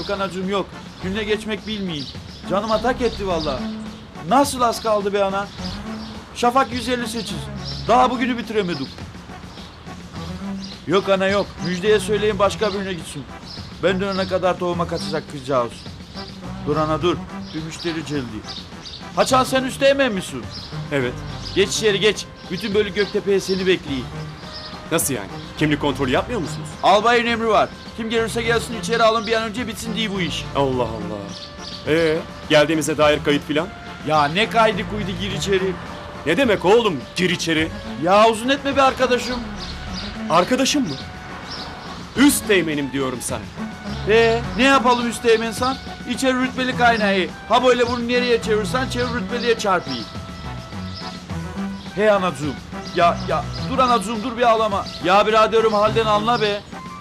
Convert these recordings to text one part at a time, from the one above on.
Yok anacığım yok. Günle geçmek bilmeyin. Canım atak etti vallahi. Nasıl az kaldı be ana? Şafak 158. Daha bugünü bitiremedik. Yok ana yok. Müjdeye söyleyin başka birine gitsin. Ben dönene kadar tohuma kaçacak kızcağız. Dur ana dur. Bir müşteri geldi. Haçan sen üsteğmen misin? Evet. Geç içeri geç. Bütün bölük Göktepe'ye seni bekliyor. Nasıl yani? Kimlik kontrolü yapmıyor musunuz? Albayın emri var. Kim gelirse gelsin içeri alın bir an önce bitsin diye bu iş. Allah Allah. Geldiğimize dair kayıt filan? Ya ne kaydı kuydu gir içeri. Ne demek oğlum? Gir içeri. Ya uzun etme be arkadaşım. Arkadaşım mı? Üst teğmenim diyorum sana. Ne yapalım üsteğmen sen? İçeri rütbeli kaynağı. Ha böyle bunu nereye çevirsen çevir rütbeliye çarpıyı. Hey anacığım. Ya dur anacığım dur bir ağlama. Ya biraderim halden anla be.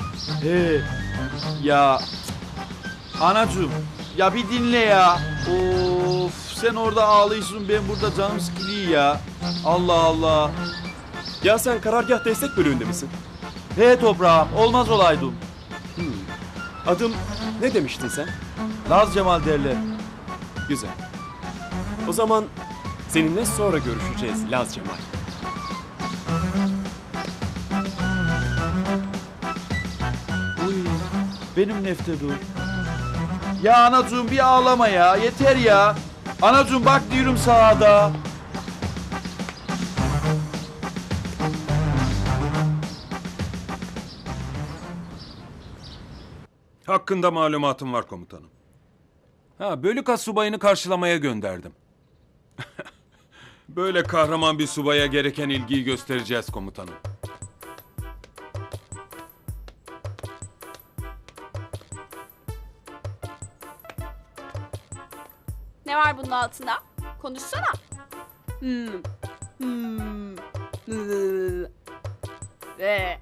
Ya anacığım ya bir dinle ya. Of sen orada ağlıyorsun ben burada canım sıkılıyor ya. Allah Allah. Ya sen karargah destek bölüğünde misin? He toprağım olmaz olaydım. Adım ne demiştin sen? Laz Cemal derler. Güzel. O zaman seninle sonra görüşeceğiz Laz Cemal. Uy, benim nefte dur. Ya anacığım bir ağlama ya yeter ya. Anacığım bak diyorum sağda. Hakkında malumatım var komutanım. Bölük astsubayını karşılamaya gönderdim. Böyle kahraman bir subaya gereken ilgiyi göstereceğiz komutanım. Ne var bunun altında? Konuşsana. Ve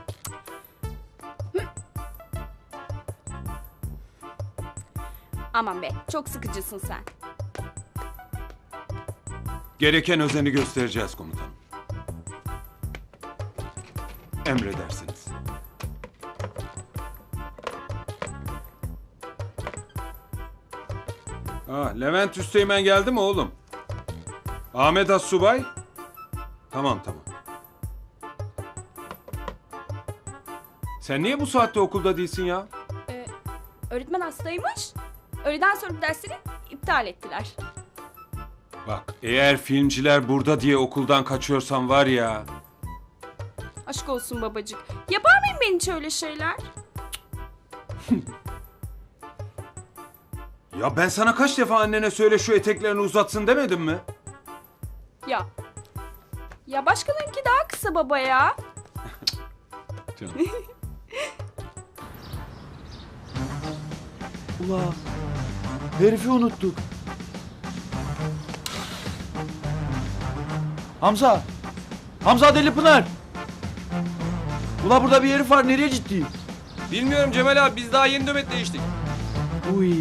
aman be, çok sıkıcısın sen. Gereken özeni göstereceğiz komutanım. Emredersiniz. Levent Üsteğmen geldi mi oğlum? Ahmet Assubay? Tamam. Sen niye bu saatte okulda değilsin ya? Öğretmen hastaymış. Öğleden sonra dersleri iptal ettiler. Bak eğer filmciler burada diye okuldan kaçıyorsan var ya. Aşk olsun babacık. Yapar mıyım ben hiç öyle şeyler? Ya ben sana kaç defa annene söyle şu eteklerini uzatsın demedim mi? Ya. Ya başkalarınki daha kısa baba ya. Canım. Ula herifi unuttuk. Hamza Deli Pınar. Ula burada bir herif var nereye ciddi? Bilmiyorum Cemal abi biz daha yeni nöbet değiştik. Uy.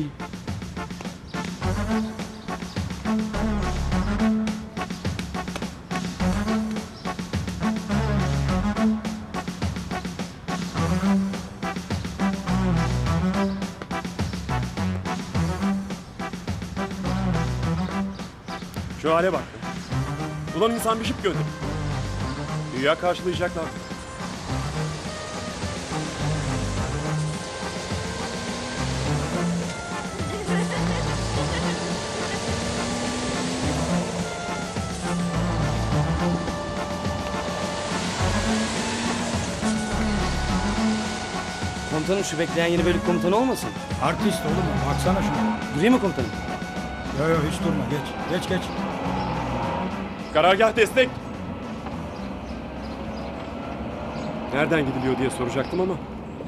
Şu hale bak. Ulan insan bir şıp gönder. Dünya karşılayacaklar. Komutanım şu bekleyen yeni bölük komutanı olmasın? Artist oğlum baksana şuna. Durayım mı komutanım? Yo hiç durma geç. Karargah destek. Nereden gidiliyor diye soracaktım ama.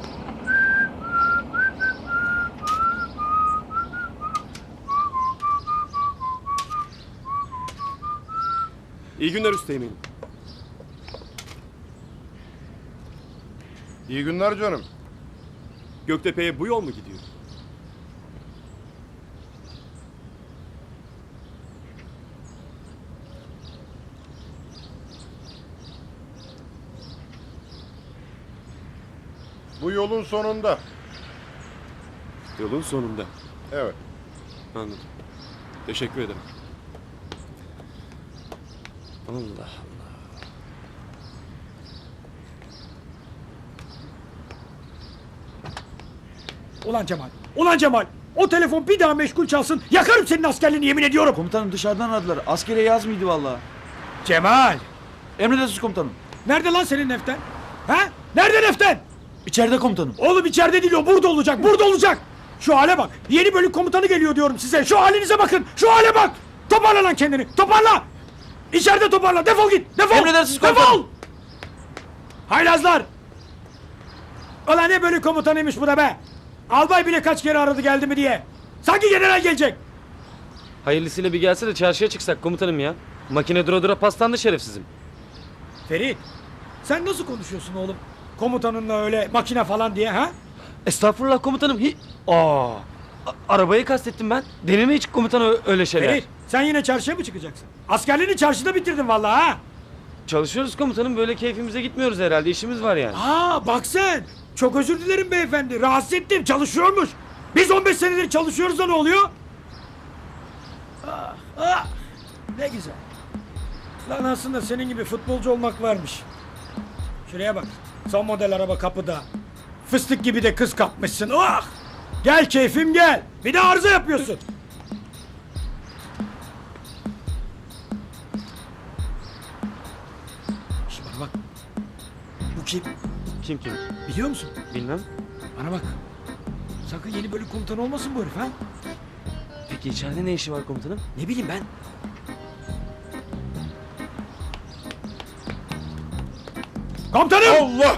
İyi günler üsteğmenim. İyi günler canım. Göktepe'ye bu yol mu gidiyor? Bu yolun sonunda. Yolun sonunda. Evet. Anladım. Teşekkür ederim. Allah Allah. Ulan Cemal. Ulan Cemal. O telefon bir daha meşgul çalsın. Yakarım senin askerliğini yemin ediyorum. Komutanım dışarıdan aradılar. Askere yaz mıydı vallahi? Cemal. Emredersiniz komutanım. Nerede lan senin neften? Ha? Nerede neften? İçeride komutanım. Oğlum içeride değil o. Burada olacak. Burada olacak. Şu hale bak. Yeni bölük komutanı geliyor diyorum size. Şu halinize bakın. Şu hale bak. Toparla lan kendini. Toparla. İçeride toparla. Defol git. Defol. Emredersiniz Defol. komutanım. Haylazlar. Ulan ne bölük komutanıymış bu da be. Albay bile kaç kere aradı geldi mi diye. Sanki general gelecek. Hayırlısıyla bir gelse de çarşıya çıksak komutanım ya. Makine dura dura paslandı şerefsizim. Ferit. Sen nasıl konuşuyorsun oğlum? Komutanınla öyle makine falan diye ha? Estağfurullah komutanım. Arabayı kastettim ben. Denir mi hiç komutan öyle şeyler? Ferit sen yine çarşıya mı çıkacaksın? Askerliğini çarşıda bitirdin vallahi ha? Çalışıyoruz komutanım. Böyle keyfimize gitmiyoruz herhalde. İşimiz var yani. Aa bak sen. Çok özür dilerim beyefendi. Rahatsız ettim. Çalışıyormuş. Biz 15 senedir çalışıyoruz da ne oluyor? Ne güzel. Lan aslında senin gibi futbolcu olmak varmış. Şuraya bak. Son model araba kapıda. Fıstık gibi de kız kapmışsın. Ah! Gel keyfim gel. Bir de arıza yapıyorsun. Şimdi bana bak. Bu kim? Kim? Biliyor musun? Bilmem. Bana bak. Sakın yeni bölük komutanı olmasın bu herif ha? Peki içeride ne işi var komutanım? Ne bileyim ben. Komutanım! Allah!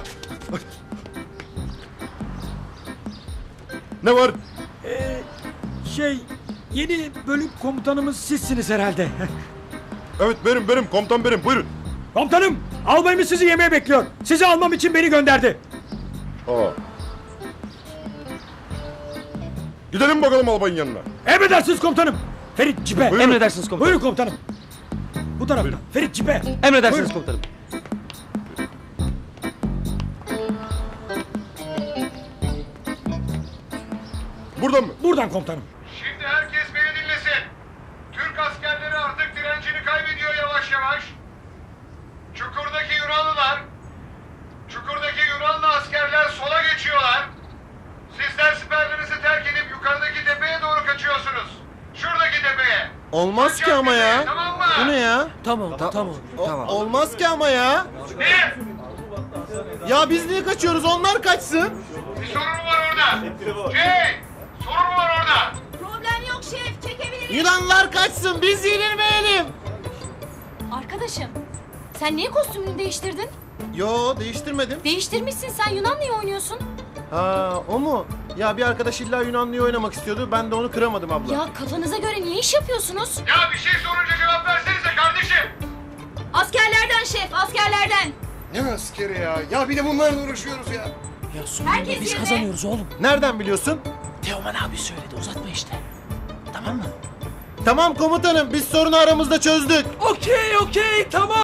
Ne var? Yeni bölük komutanımız sizsiniz herhalde. Evet benim komutan benim buyurun. Komutanım, albayımız sizi yemeğe bekliyor. Sizi almam için beni gönderdi. Aa. Gidelim bakalım albayın yanına. Emredersiniz komutanım. Ferit cipe. Buyurun. Emredersiniz komutanım. Buyurun komutanım. Bu tarafta. Buyurun. Ferit cipe. Emredersiniz Buyurun. komutanım. Buradan mı? Buradan komutanım. Şimdi herkes beni dinlesin. Türk askerleri artık direncini kaybediyor yavaş yavaş. Çukurdaki Yunanlı askerler sola geçiyorlar. Sizler siperlerinizi terk edip yukarıdaki tepeye doğru kaçıyorsunuz. Şuradaki tepeye. Olmaz ki ama ya. Tamam mı? Bu ne ya? Tamam. Olmaz ki ama ya. Ne? Ya biz niye kaçıyoruz? Onlar kaçsın. Bir sorun mu var orada? Sorun mu var orada? Problem yok şef, çekebiliriz. Yunanlılar kaçsın. Biz yenilmeyelim. Arkadaşım, sen niye kostümünü değiştirdin? Yo değiştirmedim. Değiştirmişsin, sen Yunanlı'yı oynuyorsun. Ha o mu? Ya bir arkadaş illa Yunanlıyı oynamak istiyordu. Ben de onu kıramadım abla. Ya kafanıza göre niye iş yapıyorsunuz? Ya bir şey sorunca cevap versenize kardeşim. Askerlerden şef, askerlerden. Ne askeri ya? Ya bir de bunlarla uğraşıyoruz ya. Herkes biz kazanıyoruz. Nereden biliyorsun? Teoman abi söyledi, uzatma işte. Tamam mı? Tamam komutanım biz sorunu aramızda çözdük. Okey, tamam.